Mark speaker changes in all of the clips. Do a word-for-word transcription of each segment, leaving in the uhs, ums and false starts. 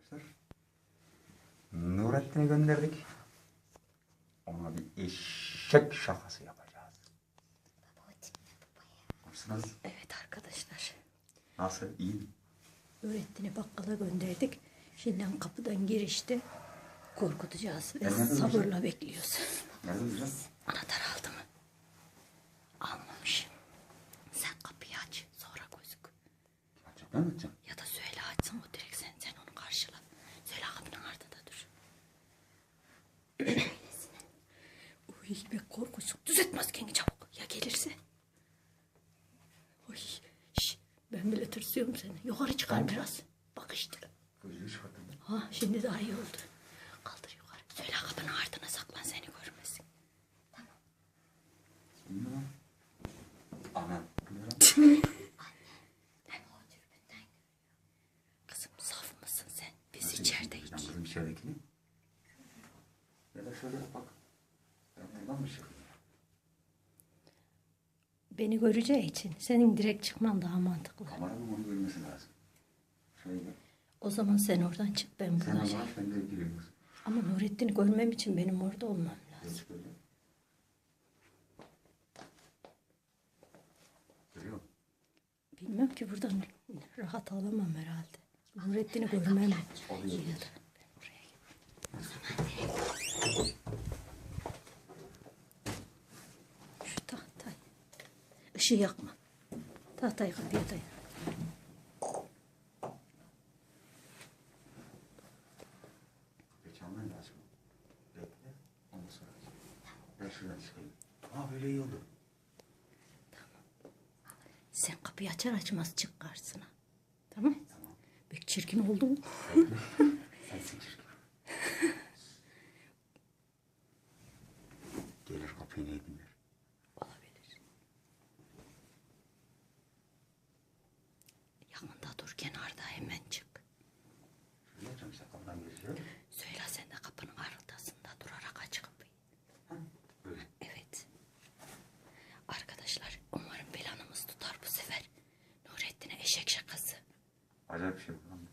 Speaker 1: Nurettin'i gönderdik. Ona bir eşek şakası yapacağız. Nasılsınız?
Speaker 2: Evet arkadaşlar.
Speaker 1: Nasıl? İyi mi?
Speaker 2: Nurettin'i bakkala gönderdik. Şimdi kapıdan girişti. Korkutacağız ve
Speaker 1: Nereden
Speaker 2: sabırla
Speaker 1: güzel?
Speaker 2: bekliyoruz.
Speaker 1: Nerede güzel?
Speaker 2: Anahtar aldı mı? Almamış. Sen kapıyı aç. Sonra gözük.
Speaker 1: Açacağım, ben mi açacağım?
Speaker 2: Ya da söyle açsın o direkt sen, sen onu karşıla. Söyle kapının ardında dur. Uy be korkusun. Düzeltmez kendini çabuk. Ya gelirse? Uy. Şş, ben bile tırsıyorum seni. Yukarı çıkar
Speaker 1: Tamam.
Speaker 2: biraz. Bak işte.
Speaker 1: Gözünü çıkarttım.
Speaker 2: Ha şimdi daha iyi oldu. Kaldır yukarı. Söyle kapının ardına saklan seni görmesin.
Speaker 1: İyi mi lan? Anam. Bu ne lan?
Speaker 2: Kızım saf mısın sen? Biz
Speaker 1: Nasıl
Speaker 2: içerideyiz.
Speaker 1: Ben kızım içeridekini. Ya da şöyle yap bak. Ben buradan mı çıkayım?
Speaker 2: Beni göreceği için senin direkt çıkman daha mantıklı.
Speaker 1: Kameranın onu görmesi lazım. Şöyle.
Speaker 2: O zaman sen oradan çık ben
Speaker 1: Sen
Speaker 2: buradan şey.
Speaker 1: Allah ben de giriyorum.
Speaker 2: Ama Nurettin'i görmem için benim orada olmam lazım.
Speaker 1: Geç böyle. Görüyor musun?
Speaker 2: Bilmem ki buradan rahat alamam herhalde. Nurettin'i görmem. Ya da ben buraya gideyim. Şu tahtayı. Işığı yakma. Tahtayı kapıya dayan.
Speaker 1: Geç alman lazım. Bekle. Ondan sonra. Ben şuradan çıkayım. Aa böyle iyi oldu.
Speaker 2: Sen kapıyı açar açmaz çık karşısına. Tamam?
Speaker 1: Tamam.
Speaker 2: Pek çirkin oldu mu?
Speaker 1: Sensin çirkin. Gelir kapıyı ne dinler?
Speaker 2: Olabilir. Yanında dur kenarda hemen çık.
Speaker 1: Şöyle yapacağım işte kapıdan geçiyor.
Speaker 2: Söyle sen de kapının arkasında durarak aç kapıyı.
Speaker 1: Ha, böyle.
Speaker 2: Evet. Arkadaşlar umarım planımız tutar bu sefer. Nurettin'e eşek şakası.
Speaker 1: Acayip bir şey bu lan.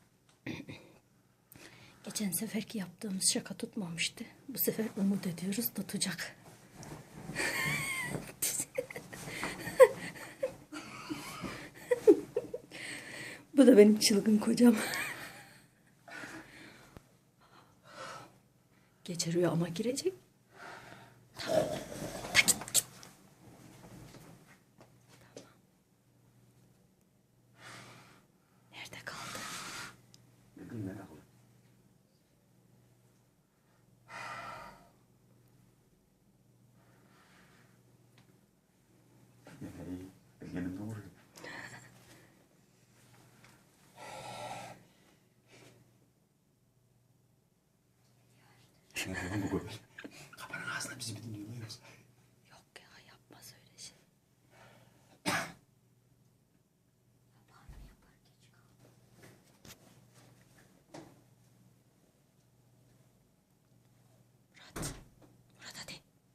Speaker 2: Geçen seferki yaptığımız şaka tutmamıştı. Bu sefer umut ediyoruz tutacak. Bu da benim çılgın kocam. Gece rüyama girecek. Tamam. Ta git, git. Tamam. Nerede kaldı?
Speaker 1: Ne bileyim merak ettim. İyi. Elgenim doğru. Ne lan bu böyle? Kapanın ağzına bizi bir dinliyor muyuz?
Speaker 2: Yok ya yapmaz öyle şey. Murat. Murat hadi.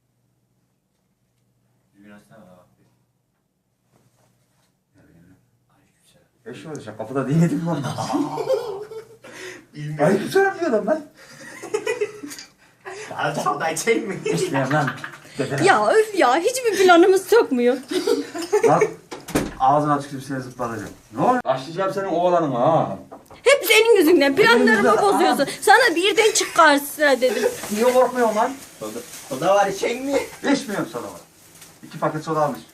Speaker 1: Eş olacak kapıda dinledim lan. Ay güzel yapıyor adam lan.
Speaker 3: Alacağım da içeyim mi?
Speaker 1: İşleyen lan. Dedene.
Speaker 2: Ya öf ya hiçbir planımız sokmuyor.
Speaker 1: Bak ağzını açıp seni zıplatacağım. Ne oluyor? Başlayacağım senin oğlanın ha.
Speaker 2: Hep senin yüzünden planlarımı
Speaker 1: yüzünden,
Speaker 2: bozuyorsun. Sana birden çık karşısına dedim.
Speaker 1: Niye korkmuyorsun lan?
Speaker 3: Soda, soda var içeyim mi?
Speaker 1: İçmiyorum soda var. İki paket soda almış.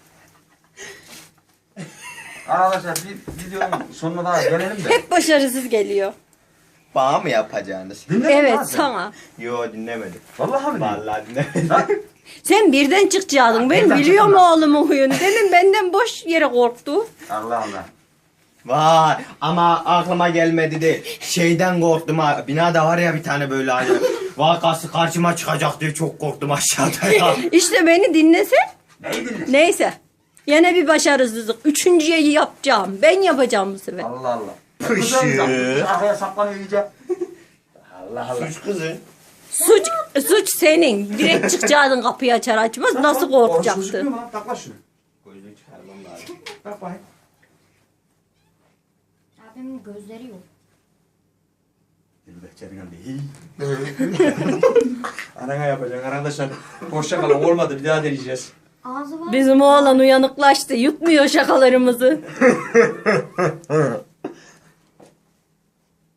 Speaker 1: Arkadaşlar bir videonun sonuna daha gelelim de.
Speaker 2: Hep başarısız geliyor.
Speaker 3: Bana mı yapacaksınız?
Speaker 1: Dinledin mi lan
Speaker 2: Evet
Speaker 1: sen?
Speaker 2: sana.
Speaker 3: Yo dinlemedim.
Speaker 1: Vallahi mi?
Speaker 3: Vallahi dinlemedim.
Speaker 1: Lan
Speaker 2: Sen birden çıkacaktın. Ben
Speaker 1: birden
Speaker 2: biliyorum
Speaker 1: çıktım
Speaker 2: oğlumun huyunu. Demin benden boş yere korktu.
Speaker 1: Allah Allah.
Speaker 3: Vay ama aklıma gelmedi değil. Şeyden korktum ha. Binada var ya bir tane böyle hani. Vakası karşıma çıkacak diye çok korktum aşağıda ya.
Speaker 2: İşte beni dinlesen.
Speaker 1: Neyi dinle?
Speaker 2: Neyse. Yine bir başarısızlık. Üçüncüye yapacağım. Ben yapacağım bu sefer.
Speaker 1: Allah Allah.
Speaker 3: Pışı.
Speaker 1: Güzel, arkaya saklanıyor iyice. Allah Allah.
Speaker 3: Suç kızı.
Speaker 2: Suç suç senin. Direkt çıkacaktın kapıyı açar açmaz. Nasıl korkacaktın?
Speaker 1: Gözükmüyor mu lan? Tak lan şunu.
Speaker 3: Gözünü çıkarmam lazım.
Speaker 1: Tak bakayım.
Speaker 4: Abimin gözleri yok.
Speaker 1: Dilber Bahçenin değil. Arana yapacaksın arkadaşlar. Hoşça kalın, olmadı, bir daha deneyeceğiz.
Speaker 4: Ağzı var.
Speaker 2: Bizim oğlan uyanıklaştı. Yutmuyor şakalarımızı.